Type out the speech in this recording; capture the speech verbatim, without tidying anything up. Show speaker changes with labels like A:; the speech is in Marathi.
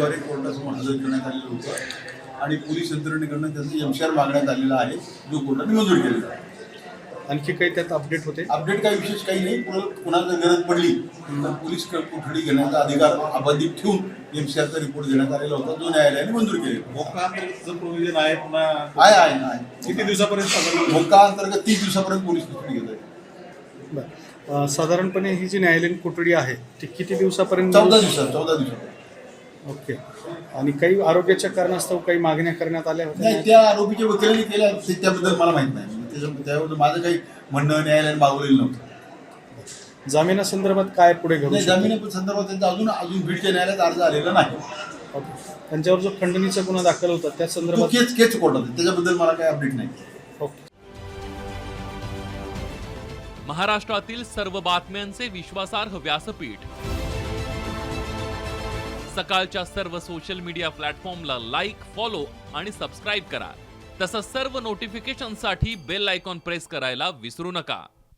A: नोटीसद्वारे कोर्टासमोर हजर करण्यात आलेलं होतं आणि पोलीस यंत्रणेकडनं त्यांचं एमसीआर मागण्यात आलेला आहे, जो कोर्टाने मंजूर केलेला आहे.
B: आणखी काही त्यात अपडेट होते?
A: अपडेट काही विशेष काही नाही. कुणाला गरज पडली तर पोलीस कोठडी घेण्याचा अधिकार अबाधित ठेवून एमसीआरचा रिपोर्ट देण्यात आलेला होता, जो न्यायालयाने मंजूर केलेला.
C: मोक्का अंतर्गत प्रोव्हिजन आहे पुन्हा
A: आहे आहे आहे
C: किती दिवसापर्यंत साधारण
A: मोक्का अंतर्गत तीस दिवसापर्यंत पोलीस कोठडी घेत आहेत.
B: बरं, साधारणपणे ही जी न्यायालयीन कोठडी आहे ती किती दिवसापर्यंत?
A: चौदा दिवसात चौदा दिवसात
B: ओके. आणि काही आरोग्याच्या कारणास्तव काही मागण्या करण्यात आल्या होत्या?
A: नाही, त्या आरोपीच्या वकिलांनी केल्या ते त्याबद्दल मला माहित नाही. त्याच्या- त्याबद्दल माझं काही म्हणणं न्यायालयाने मागवलेलं नव्हतं.
B: जामिनासंदर्भात काय पुढे घडू
A: नाही,
B: शकतं?
A: जामीन संदर्भात त्यांचा अजून अजून बीडच्या न्यायालयात अर्ज आलेला नाही.
B: ओके. त्यांच्यावर जो खंडणीचा गुन्हा दाखल होता त्या
A: तो
B: संदर्भात?
A: केस केस कोर्टात आहे, त्याच्याबद्दल मला काही अपडेट नाही.
B: ओके.
D: महाराष्ट्रातील सर्व बातम्यांचे विश्वासार्ह व्यासपीठ सकाळच्या सर्व सोशल मीडिया प्लॅटफॉर्मला लाईक, फॉलो आणि सबस्क्राईब करा. तसंच सर्व नोटिफिकेशनसाठी बेल आयकॉन प्रेस करायला विसरू नका.